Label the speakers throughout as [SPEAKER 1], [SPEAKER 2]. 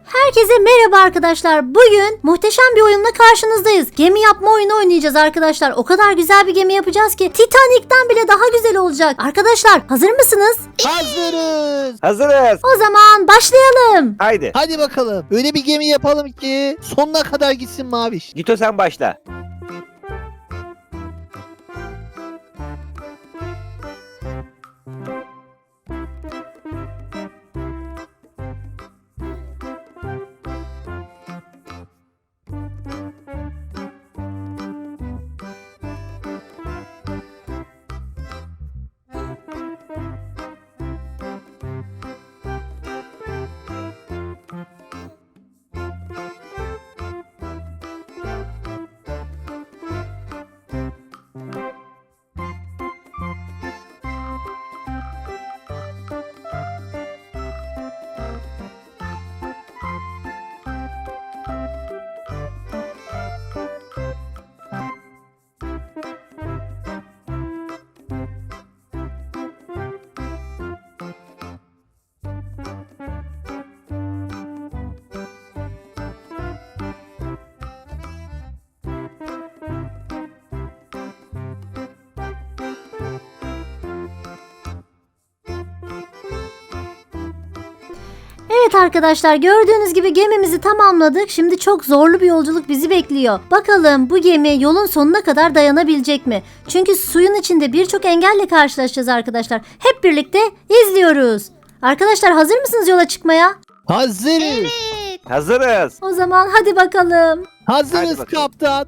[SPEAKER 1] Herkese merhaba arkadaşlar. Bugün muhteşem bir oyunla karşınızdayız. Gemi yapma oyunu oynayacağız arkadaşlar. O kadar güzel bir gemi yapacağız ki Titanic'ten bile daha güzel olacak. Arkadaşlar hazır mısınız?
[SPEAKER 2] Hazırız.
[SPEAKER 3] Hazırız.
[SPEAKER 1] O zaman başlayalım.
[SPEAKER 3] Haydi.
[SPEAKER 2] Hadi bakalım. Öyle bir gemi yapalım ki sonuna kadar gitsin Maviş.
[SPEAKER 3] Gito sen başla.
[SPEAKER 1] Evet arkadaşlar, gördüğünüz gibi gemimizi tamamladık. Şimdi çok zorlu bir yolculuk bizi bekliyor. Bakalım bu gemi yolun sonuna kadar dayanabilecek mi? Çünkü suyun içinde birçok engelle karşılaşacağız arkadaşlar. Hep birlikte izliyoruz. Arkadaşlar hazır mısınız yola çıkmaya?
[SPEAKER 2] Hazırız.
[SPEAKER 3] Hazırız.
[SPEAKER 1] O zaman hadi bakalım.
[SPEAKER 2] Hazırız
[SPEAKER 3] Hadi bakalım.
[SPEAKER 2] kaptan.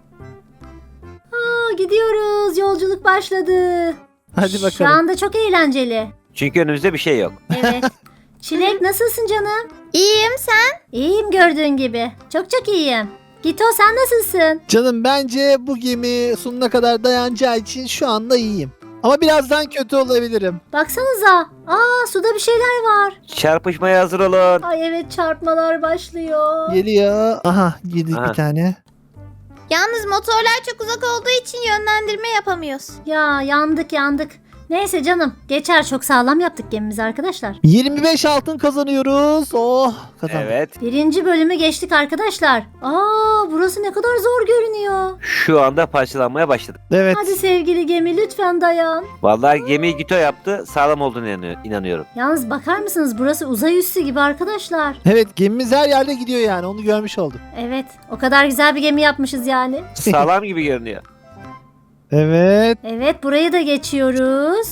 [SPEAKER 1] Gidiyoruz. Yolculuk başladı.
[SPEAKER 2] Hadi
[SPEAKER 1] Şu
[SPEAKER 2] bakalım.
[SPEAKER 1] anda çok eğlenceli.
[SPEAKER 3] Çünkü önümüzde bir şey yok.
[SPEAKER 1] Evet. Çilek nasılsın canım?
[SPEAKER 4] İyiyim, sen?
[SPEAKER 1] İyiyim gördüğün gibi. Çok iyiyim. Gito sen nasılsın?
[SPEAKER 2] Canım bence bu gemi sonuna kadar dayanacağı için şu anda iyiyim. Ama birazdan kötü olabilirim.
[SPEAKER 1] Baksanıza. Suda bir şeyler var.
[SPEAKER 3] Çarpışmaya hazır olun.
[SPEAKER 1] Ay evet, çarpmalar başlıyor.
[SPEAKER 2] Geliyor. Aha girdik
[SPEAKER 3] Aha.
[SPEAKER 2] bir tane.
[SPEAKER 4] Yalnız motorlar çok uzak olduğu için yönlendirme yapamıyoruz.
[SPEAKER 1] Ya yandık. Neyse canım, geçer, çok sağlam yaptık gemimizi arkadaşlar.
[SPEAKER 2] 25 altın kazanıyoruz. Oh kazandık.
[SPEAKER 3] Evet.
[SPEAKER 1] Birinci bölümü geçtik arkadaşlar. Burası ne kadar zor görünüyor.
[SPEAKER 3] Şu anda parçalanmaya başladık.
[SPEAKER 2] Evet.
[SPEAKER 1] Hadi sevgili gemi lütfen dayan.
[SPEAKER 3] Vallahi gemiyi Gito yaptı. Sağlam olduğunu inanıyorum.
[SPEAKER 1] Yalnız bakar mısınız, burası uzay üssü gibi arkadaşlar.
[SPEAKER 2] Evet gemimiz her yerde gidiyor yani onu görmüş olduk.
[SPEAKER 1] Evet, o kadar güzel bir gemi yapmışız yani.
[SPEAKER 3] Sağlam gibi görünüyor.
[SPEAKER 2] Evet.
[SPEAKER 1] Evet, burayı da geçiyoruz.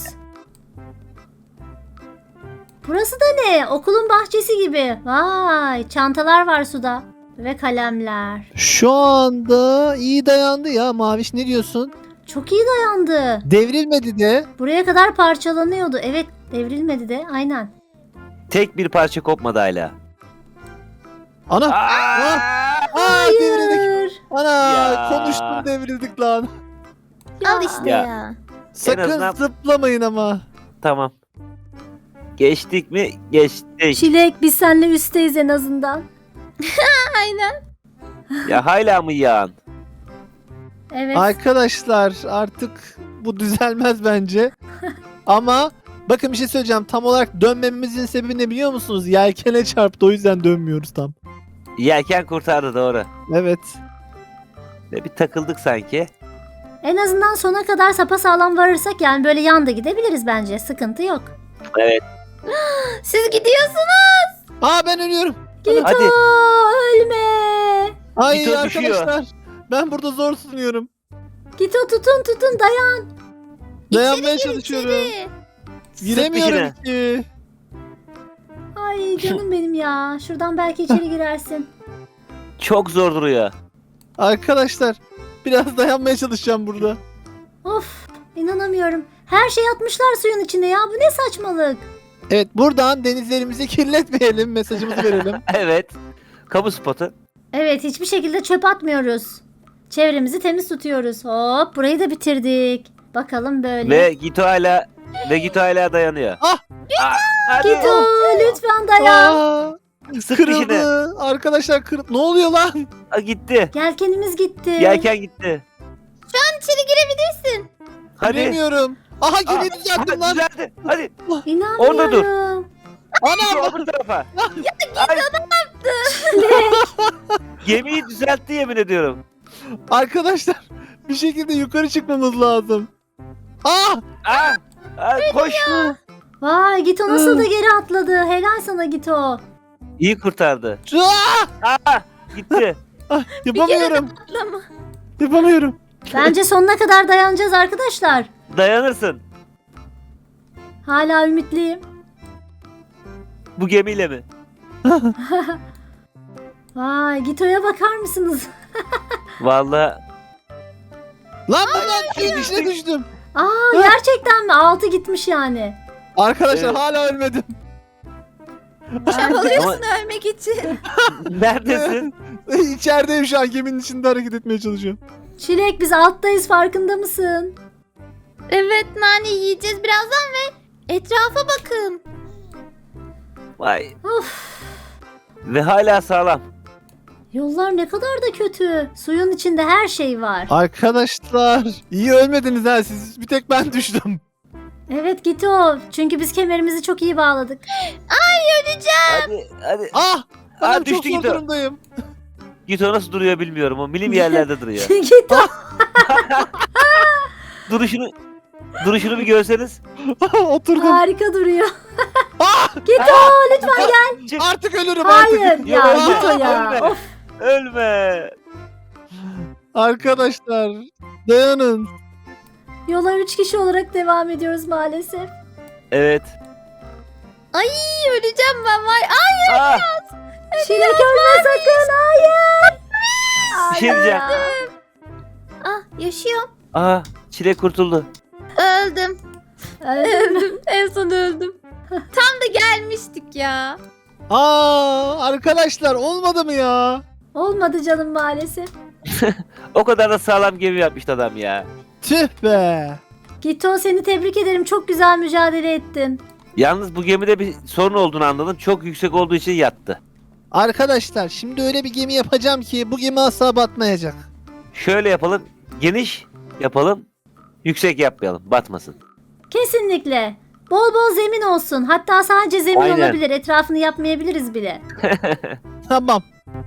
[SPEAKER 1] Burası da ne? Okulun bahçesi gibi. Vay, çantalar var suda. Ve kalemler.
[SPEAKER 2] Şu anda iyi dayandı ya Maviş ne diyorsun?
[SPEAKER 1] Çok iyi dayandı.
[SPEAKER 2] Devrilmedi de.
[SPEAKER 1] Buraya kadar parçalanıyordu. Evet, devrilmedi de. Aynen.
[SPEAKER 3] Tek bir parça kopmadı hala.
[SPEAKER 2] Ana. Devrildik.
[SPEAKER 1] Hayır.
[SPEAKER 2] Ana
[SPEAKER 3] Ya.
[SPEAKER 2] konuştum devrildik lan.
[SPEAKER 4] Al işte
[SPEAKER 3] Ya.
[SPEAKER 4] ya.
[SPEAKER 2] Sakın
[SPEAKER 3] azından-
[SPEAKER 2] zıplamayın ama.
[SPEAKER 3] Tamam. Geçtik mi? Geçtik.
[SPEAKER 1] Çilek, biz seninle üstteyiz en azından.
[SPEAKER 4] Aynen.
[SPEAKER 3] Ya hala mı yağan?
[SPEAKER 1] Evet.
[SPEAKER 2] Arkadaşlar artık bu düzelmez bence. Ama bakın bir şey söyleyeceğim. Tam olarak dönmememizin sebebi ne biliyor musunuz? Yelkene çarptı o yüzden dönmüyoruz tam.
[SPEAKER 3] Yelken kurtardı doğru.
[SPEAKER 2] Evet.
[SPEAKER 3] Ve bir takıldık sanki.
[SPEAKER 1] En azından sona kadar sapasağlam varırsak yani böyle yanda gidebiliriz bence. Sıkıntı yok.
[SPEAKER 3] Evet.
[SPEAKER 4] Siz gidiyorsunuz.
[SPEAKER 2] Aa ben ölüyorum.
[SPEAKER 1] Gito,
[SPEAKER 3] Hadi.
[SPEAKER 1] ölme.
[SPEAKER 2] Ay
[SPEAKER 3] Gito düşüyor.
[SPEAKER 2] arkadaşlar. Ben burada zor sunuyorum.
[SPEAKER 1] Gito tutun dayan.
[SPEAKER 2] Dayanmaya çalışıyorum.
[SPEAKER 4] İçeri.
[SPEAKER 2] Giremiyorum ki.
[SPEAKER 1] Ay canım benim ya. Şuradan belki içeri girersin.
[SPEAKER 3] Çok zor duruyor.
[SPEAKER 2] Arkadaşlar biraz dayanmaya çalışacağım burada.
[SPEAKER 1] Of, inanamıyorum. Her şey atmışlar suyun içine ya. Bu ne saçmalık.
[SPEAKER 2] Evet buradan denizlerimizi kirletmeyelim mesajımızı verelim.
[SPEAKER 3] Evet. Kamu spotu.
[SPEAKER 1] Evet, hiçbir şekilde çöp atmıyoruz. Çevremizi temiz tutuyoruz. Hop, burayı da bitirdik. Bakalım böyle.
[SPEAKER 3] Ve Gito hala dayanıyor.
[SPEAKER 2] Ah!
[SPEAKER 3] Hadi.
[SPEAKER 1] Gito lütfen dayan.
[SPEAKER 2] Aa,
[SPEAKER 3] Sık dişini.
[SPEAKER 2] kırıldı. Arkadaşlar kırıldı. Ne oluyor lan?
[SPEAKER 3] Gitti.
[SPEAKER 1] Yelkenimiz gitti.
[SPEAKER 3] Yelken gitti.
[SPEAKER 4] İçeri girebilirsin.
[SPEAKER 3] Hadi.
[SPEAKER 2] Giremiyorum. Aha gemi düzelttim lan.
[SPEAKER 3] Düzeldi. Hadi.
[SPEAKER 1] İnanmıyorum.
[SPEAKER 3] Orada dur.
[SPEAKER 2] Ana
[SPEAKER 3] Gito öbür tarafa. Hayır. Gemiyi düzeltti yemin ediyorum.
[SPEAKER 2] Arkadaşlar bir şekilde yukarı çıkmamız lazım. Ah!
[SPEAKER 3] Aa! Koş.
[SPEAKER 1] Vay Gito nasıl da geri atladı. Helal sana Gito.
[SPEAKER 3] İyi kurtardı.
[SPEAKER 2] Ah!
[SPEAKER 3] Gitti.
[SPEAKER 2] Ah, yapamıyorum.
[SPEAKER 4] Atlama.
[SPEAKER 2] Yapamıyorum.
[SPEAKER 1] Bence sonuna kadar dayanacağız arkadaşlar.
[SPEAKER 3] Dayanırsın.
[SPEAKER 1] Hala ümitliyim.
[SPEAKER 3] Bu gemiyle mi?
[SPEAKER 1] Vay Gito'ya bakar mısınız?
[SPEAKER 3] Vallahi
[SPEAKER 2] Lan buradan suyun içine düştüm.
[SPEAKER 1] Aa gerçekten mi? Altı gitmiş yani.
[SPEAKER 2] Arkadaşlar
[SPEAKER 3] Evet.
[SPEAKER 2] hala ölmedim.
[SPEAKER 4] Çabalıyorsun ölmek için.
[SPEAKER 3] neredesin?
[SPEAKER 2] İçerideyim şu an, geminin içinde hareket etmeye çalışıyorum.
[SPEAKER 1] Çilek biz alttayız farkında mısın?
[SPEAKER 4] Evet nane yiyeceğiz birazdan ve etrafa bakın.
[SPEAKER 3] Vay.
[SPEAKER 1] Of.
[SPEAKER 3] Ve hala sağlam.
[SPEAKER 1] Yollar ne kadar da kötü. Suyun içinde her şey var.
[SPEAKER 2] Arkadaşlar iyi ölmediniz ha siz. Bir tek ben düştüm.
[SPEAKER 1] Evet Gito. Çünkü biz kemerimizi çok iyi bağladık.
[SPEAKER 3] Hadi.
[SPEAKER 2] Ah!
[SPEAKER 3] Aa,
[SPEAKER 2] Ben çok
[SPEAKER 3] düştü
[SPEAKER 2] zor
[SPEAKER 3] gidiyor.
[SPEAKER 2] durumdayım.
[SPEAKER 3] Git o nasıl duruyor bilmiyorum. O milim yerlerde duruyor.
[SPEAKER 1] Gito.
[SPEAKER 3] Duruşunu bir görseniz.
[SPEAKER 2] Oturdum.
[SPEAKER 1] Harika duruyor.
[SPEAKER 2] Ah!
[SPEAKER 1] Gito lütfen gel.
[SPEAKER 3] Çık.
[SPEAKER 2] Artık ölürüm
[SPEAKER 1] Hayır
[SPEAKER 2] artık.
[SPEAKER 1] ya
[SPEAKER 3] Yok,
[SPEAKER 1] Gito
[SPEAKER 3] ölme,
[SPEAKER 1] ya.
[SPEAKER 3] ölme.
[SPEAKER 1] Of.
[SPEAKER 3] Ölme.
[SPEAKER 2] Arkadaşlar dayanın.
[SPEAKER 1] Yola 3 kişi olarak devam ediyoruz maalesef.
[SPEAKER 3] Evet.
[SPEAKER 4] Ay öleceğim ben var. Ay
[SPEAKER 3] Aa,
[SPEAKER 1] Çilek ölme sakın. Hayır.
[SPEAKER 3] bir şey diyeceğim.
[SPEAKER 4] ah yaşıyorum.
[SPEAKER 3] Aa, çilek kurtuldu.
[SPEAKER 4] Öldüm.
[SPEAKER 1] Öldüm.
[SPEAKER 4] En son öldüm. Tam da gelmiştik ya.
[SPEAKER 2] Aa, arkadaşlar olmadı mı ya?
[SPEAKER 1] Olmadı canım maalesef.
[SPEAKER 3] O kadar da sağlam gemi yapmıştı adam ya.
[SPEAKER 2] Tüh be.
[SPEAKER 1] Gito seni tebrik ederim. Çok güzel mücadele ettin.
[SPEAKER 3] Yalnız bu gemide bir sorun olduğunu anladım. Çok yüksek olduğu için yattı.
[SPEAKER 2] Arkadaşlar şimdi öyle bir gemi yapacağım ki bu gemi asla batmayacak.
[SPEAKER 3] Şöyle yapalım. Geniş yapalım. Yüksek yapmayalım. Batmasın.
[SPEAKER 1] Kesinlikle. Bol bol zemin olsun. Hatta sadece zemin
[SPEAKER 3] Aynen.
[SPEAKER 1] olabilir. Etrafını yapmayabiliriz bile.
[SPEAKER 2] Tamam.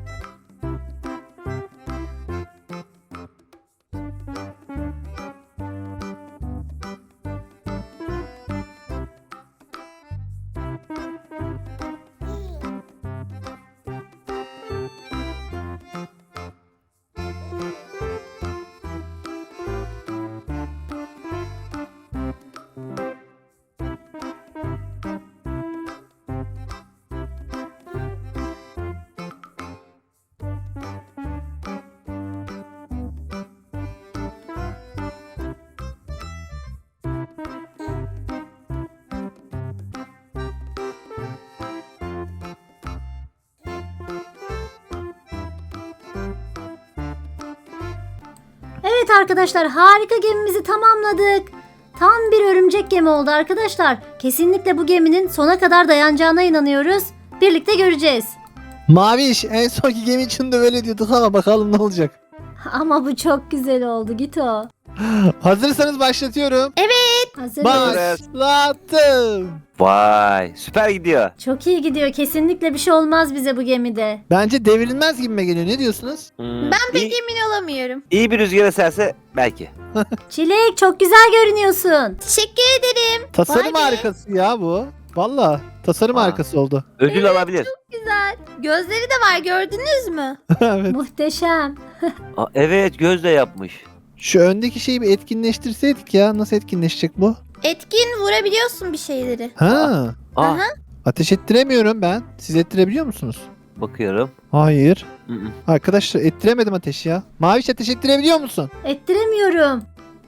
[SPEAKER 1] Evet arkadaşlar harika gemimizi tamamladık. Tam bir örümcek gemi oldu arkadaşlar. Kesinlikle bu geminin sona kadar dayanacağına inanıyoruz. Birlikte göreceğiz.
[SPEAKER 2] Maviş en sonki gemi için de öyle diyorduk ama bakalım ne olacak.
[SPEAKER 1] Ama bu çok güzel oldu Gito.
[SPEAKER 2] Hazırsanız başlatıyorum.
[SPEAKER 1] Hazır
[SPEAKER 2] Başlattım.
[SPEAKER 3] Vay, süper gidiyor.
[SPEAKER 1] Çok iyi gidiyor. Kesinlikle bir şey olmaz bize bu gemide.
[SPEAKER 2] Bence devrilmez gibime geliyor. Ne diyorsunuz?
[SPEAKER 4] Ben pek emin olamıyorum.
[SPEAKER 3] iyi bir rüzgar eserse belki.
[SPEAKER 1] Çilek çok güzel görünüyorsun.
[SPEAKER 4] Teşekkür ederim.
[SPEAKER 2] Tasarım
[SPEAKER 4] Vay be.
[SPEAKER 2] harikası ya bu. Valla tasarım
[SPEAKER 3] Aa.
[SPEAKER 2] harikası oldu.
[SPEAKER 3] Ödül alabilir.
[SPEAKER 4] Güzel. Gözleri de var gördünüz mü?
[SPEAKER 2] Evet.
[SPEAKER 1] Muhteşem.
[SPEAKER 3] Aa, evet, göz de yapmış.
[SPEAKER 2] Şu öndeki şeyi bir etkinleştirseydik ya. Nasıl etkinleşecek bu?
[SPEAKER 4] Etkin vurabiliyorsun bir şeyleri.
[SPEAKER 2] Ha.
[SPEAKER 3] Aa,
[SPEAKER 4] Aha.
[SPEAKER 2] Ateş ettiremiyorum ben. Siz ettirebiliyor musunuz?
[SPEAKER 3] bakıyorum.
[SPEAKER 2] Hayır.
[SPEAKER 3] Hı hı.
[SPEAKER 2] Arkadaşlar ettiremedim ateş ya. Maviş ateş ettirebiliyor musun?
[SPEAKER 1] Ettiremiyorum.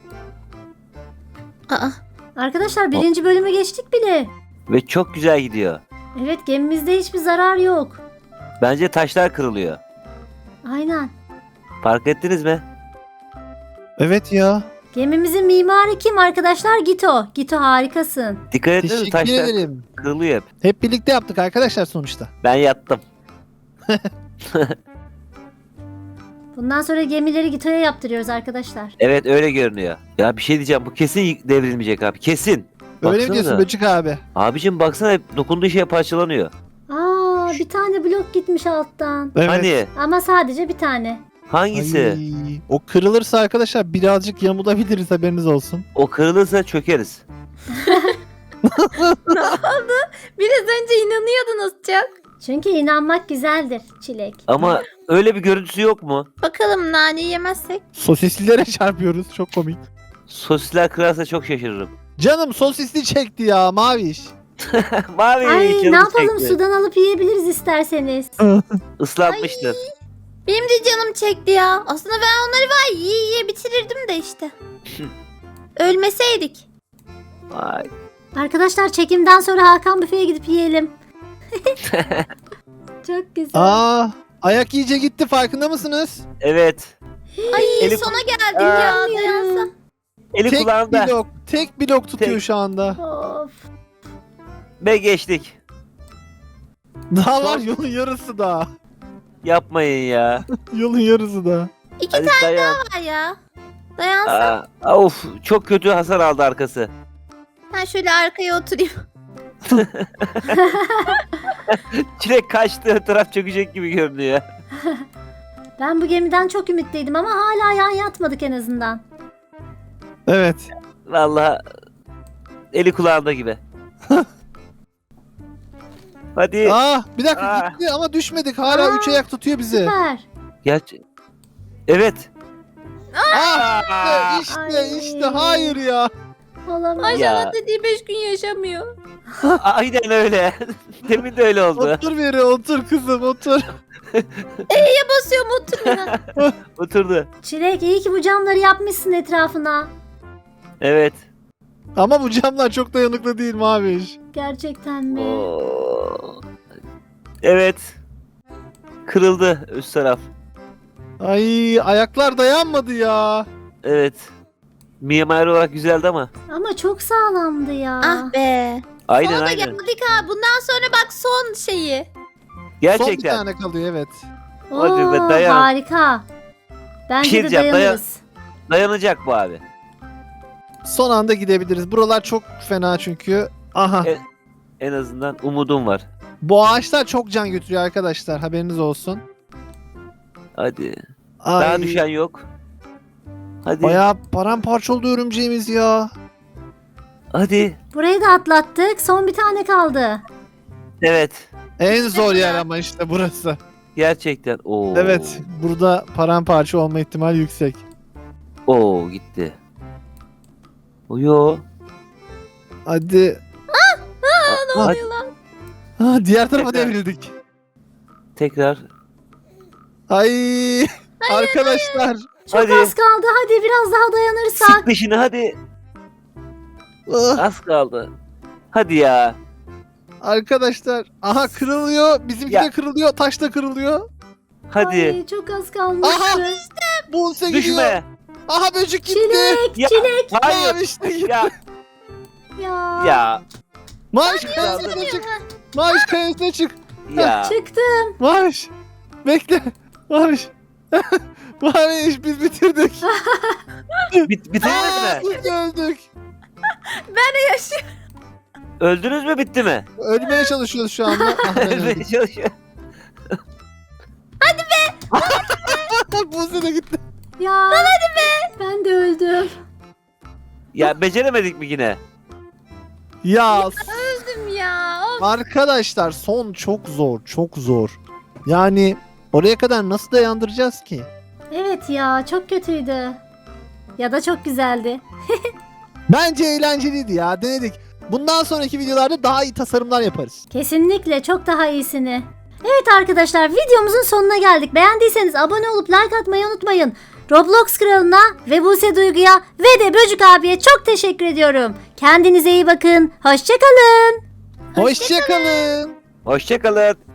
[SPEAKER 4] Aa.
[SPEAKER 1] Arkadaşlar birinci bölümü geçtik bile.
[SPEAKER 3] Ve çok güzel gidiyor.
[SPEAKER 1] Evet gemimizde hiçbir zarar yok.
[SPEAKER 3] Bence taşlar kırılıyor.
[SPEAKER 1] Aynen.
[SPEAKER 3] Fark ettiniz mi?
[SPEAKER 2] Evet ya.
[SPEAKER 1] Gemimizin mimarı kim arkadaşlar? Gito. Gito harikasın.
[SPEAKER 3] Dikkat ettiniz mi?
[SPEAKER 2] Teşekkür
[SPEAKER 3] Taşlar
[SPEAKER 2] ederim.
[SPEAKER 3] kırılıyor hep.
[SPEAKER 2] Hep birlikte yaptık arkadaşlar sonuçta.
[SPEAKER 3] Ben yattım.
[SPEAKER 1] Bundan sonra gemileri Gito'ya yaptırıyoruz arkadaşlar.
[SPEAKER 3] Evet, öyle görünüyor. Ya bir şey diyeceğim. Bu kesin devrilmeyecek abi. Kesin.
[SPEAKER 2] Öyle mi
[SPEAKER 3] Baksana.
[SPEAKER 2] diyorsun Böcük abi?
[SPEAKER 3] Abicim baksana, hep dokunduğu şey parçalanıyor.
[SPEAKER 1] Aa bir tane blok gitmiş alttan.
[SPEAKER 2] Evet.
[SPEAKER 3] Hani?
[SPEAKER 1] Ama sadece bir tane.
[SPEAKER 3] Hangisi?
[SPEAKER 2] Ay, o kırılırsa arkadaşlar birazcık yamulabiliriz, haberiniz olsun.
[SPEAKER 3] O kırılırsa çökeriz.
[SPEAKER 4] Biraz önce inanıyordunuz çok.
[SPEAKER 1] Çünkü inanmak güzeldir Çilek.
[SPEAKER 3] Ama öyle bir görüntüsü yok mu?
[SPEAKER 4] Bakalım naneyi yemezsek.
[SPEAKER 2] Sosislilere çarpıyoruz, çok komik.
[SPEAKER 3] Sosisler kırarsa çok şaşırırım.
[SPEAKER 2] Canım sosisli çekti ya Maviş.
[SPEAKER 3] Mavi
[SPEAKER 1] Ay
[SPEAKER 3] canım
[SPEAKER 1] ne yapalım,
[SPEAKER 3] çekti.
[SPEAKER 1] sudan alıp yiyebiliriz isterseniz.
[SPEAKER 3] Islatmıştır.
[SPEAKER 4] Benim de canım çekti ya. Aslında ben onları var yiye bitirirdim de işte. Ölmeseydik.
[SPEAKER 3] Vay.
[SPEAKER 1] Arkadaşlar çekimden sonra Hakan büfeye gidip yiyelim. Çok güzel.
[SPEAKER 2] Aa, ayak iyice gitti, farkında mısınız?
[SPEAKER 3] Evet.
[SPEAKER 4] Ay
[SPEAKER 3] Eli-
[SPEAKER 4] sona geldik
[SPEAKER 3] Aa.
[SPEAKER 4] ya. Dayansa.
[SPEAKER 3] Eli
[SPEAKER 2] Tek
[SPEAKER 3] kulağında.
[SPEAKER 2] tek blok tutuyor
[SPEAKER 3] Tek.
[SPEAKER 2] şu anda.
[SPEAKER 1] Of.
[SPEAKER 3] Ve geçtik.
[SPEAKER 2] Daha var,
[SPEAKER 3] Son-
[SPEAKER 2] yolun yarısı daha.
[SPEAKER 3] Yapmayın ya.
[SPEAKER 2] Yolun yarısı daha.
[SPEAKER 4] İki
[SPEAKER 3] Hadi
[SPEAKER 4] tane
[SPEAKER 3] dayan.
[SPEAKER 4] var ya. Dayansa.
[SPEAKER 3] Of, çok kötü hasar aldı arkası.
[SPEAKER 4] Ben şöyle arkaya oturayım.
[SPEAKER 3] Çilek kaçtı, taraf çökecek gibi görünüyor.
[SPEAKER 1] Ben bu gemiden çok ümitliydim ama hala yan yatmadık en azından.
[SPEAKER 2] Evet.
[SPEAKER 3] Vallahi eli kulağında gibi. Hadi.
[SPEAKER 2] Bir dakika,
[SPEAKER 3] Aa.
[SPEAKER 2] gitti ama düşmedik. Hala
[SPEAKER 1] Aa.
[SPEAKER 2] 3 ayak tutuyor bizi.
[SPEAKER 1] Süper.
[SPEAKER 3] Evet.
[SPEAKER 2] İşte
[SPEAKER 1] Ay.
[SPEAKER 2] işte hayır ya.
[SPEAKER 1] Olamaz.
[SPEAKER 4] Maşallah dediği 5 gün yaşamıyor.
[SPEAKER 3] Aynen öyle. Demin de öyle oldu.
[SPEAKER 2] Otur bir yere, otur kızım, otur.
[SPEAKER 4] Basıyorum oturmadan.
[SPEAKER 3] Oturdu.
[SPEAKER 1] Çilek iyi ki bu camları yapmışsın etrafına.
[SPEAKER 3] Evet.
[SPEAKER 2] Ama bu camlar çok dayanıklı değil Maviş.
[SPEAKER 1] Gerçekten mi?
[SPEAKER 3] Oo. Evet. Kırıldı üst taraf.
[SPEAKER 2] Ay, ayaklar dayanmadı ya.
[SPEAKER 3] Evet. Mimari olarak güzeldi ama.
[SPEAKER 1] Ama çok sağlamdı ya.
[SPEAKER 4] Ah be.
[SPEAKER 3] Aynen
[SPEAKER 4] Sona da
[SPEAKER 3] aynen.
[SPEAKER 4] geldik ha. Bundan sonra bak son şeyi.
[SPEAKER 2] Son bir
[SPEAKER 3] Gerçekten.
[SPEAKER 2] tane kalıyor, evet.
[SPEAKER 3] Hadi be,
[SPEAKER 1] Oo,
[SPEAKER 3] dayan.
[SPEAKER 1] harika. Bence
[SPEAKER 3] şey
[SPEAKER 1] de
[SPEAKER 3] diyeceğim,
[SPEAKER 1] dayanırız.
[SPEAKER 3] Dayanacak bu abi.
[SPEAKER 2] Son anda gidebiliriz. Buralar çok fena çünkü. Aha.
[SPEAKER 3] Evet. En azından umudum var.
[SPEAKER 2] Bu ağaçlar çok can götürüyor arkadaşlar. Haberiniz olsun.
[SPEAKER 3] Hadi.
[SPEAKER 2] Ay,
[SPEAKER 3] Daha düşen yok. Hadi.
[SPEAKER 2] bayağı paramparça oldu örümceğimiz ya.
[SPEAKER 3] Hadi.
[SPEAKER 1] Burayı da atlattık. Son bir tane kaldı.
[SPEAKER 3] Evet.
[SPEAKER 2] En zor
[SPEAKER 4] bu
[SPEAKER 2] yer
[SPEAKER 4] ya.
[SPEAKER 2] ama işte burası.
[SPEAKER 3] Gerçekten. Oo.
[SPEAKER 2] Evet. Burada paramparça olma ihtimali yüksek.
[SPEAKER 3] Oo gitti. Yo.
[SPEAKER 2] Hadi.
[SPEAKER 4] Ne
[SPEAKER 2] Ah,
[SPEAKER 4] oluyor lan?
[SPEAKER 2] diğer tarafa
[SPEAKER 3] Tekrar.
[SPEAKER 2] devrildik.
[SPEAKER 3] Tekrar.
[SPEAKER 2] Ay. Arkadaşlar.
[SPEAKER 1] Çok
[SPEAKER 3] Hadi.
[SPEAKER 1] az kaldı. Hadi biraz daha dayanırsak.
[SPEAKER 3] Sık dişini hadi.
[SPEAKER 2] Ah,
[SPEAKER 3] Az kaldı. Hadi ya.
[SPEAKER 2] arkadaşlar. Aha, kırılıyor. Bizimki
[SPEAKER 3] Ya.
[SPEAKER 2] de kırılıyor. Taş da kırılıyor.
[SPEAKER 3] Hadi.
[SPEAKER 1] Ay, çok az kalmıştı.
[SPEAKER 2] Aha. Buse gidiyor.
[SPEAKER 3] Düşme.
[SPEAKER 2] Aha, böcek gitti.
[SPEAKER 1] Çilek,
[SPEAKER 3] Ya.
[SPEAKER 1] çilek.
[SPEAKER 3] Hayır.
[SPEAKER 2] Maviş de gitti.
[SPEAKER 3] Ya.
[SPEAKER 1] Ya.
[SPEAKER 3] Ya.
[SPEAKER 2] Maviş kayasına çık. Maviş kayasına çık.
[SPEAKER 3] Ya.
[SPEAKER 1] Çıktım.
[SPEAKER 2] Maviş. Bekle. Maviş. Maviş, biz bitirdik.
[SPEAKER 3] Bitirdiniz mi?
[SPEAKER 2] Biz de öldük.
[SPEAKER 4] Yaşıyor.
[SPEAKER 3] Öldünüz mü, bitti mi?
[SPEAKER 2] Ölmeye çalışıyoruz şu anda. Ah, ben
[SPEAKER 3] Ölmeye
[SPEAKER 2] öldüm.
[SPEAKER 3] çalışıyor.
[SPEAKER 2] Buse de gitti.
[SPEAKER 1] Ya. Hadi be. Ben de öldüm.
[SPEAKER 3] Ya beceremedik mi yine?
[SPEAKER 2] Ya
[SPEAKER 4] Öldüm ya. Of.
[SPEAKER 2] arkadaşlar, son çok zor. Çok zor. Yani oraya kadar nasıl dayandıracağız ki?
[SPEAKER 1] Evet ya, çok kötüydü. Ya da çok güzeldi.
[SPEAKER 2] Bence eğlenceliydi ya. Denedik. Bundan sonraki videolarda daha iyi tasarımlar yaparız.
[SPEAKER 1] Kesinlikle çok daha iyisini. Evet arkadaşlar, videomuzun sonuna geldik. Beğendiyseniz abone olup like atmayı unutmayın. Roblox kralına ve Buse Duygu'ya ve de Böcük abiye çok teşekkür ediyorum. Kendinize iyi bakın. Hoşçakalın.
[SPEAKER 2] Hoşçakalın.
[SPEAKER 3] Hoşçakalın.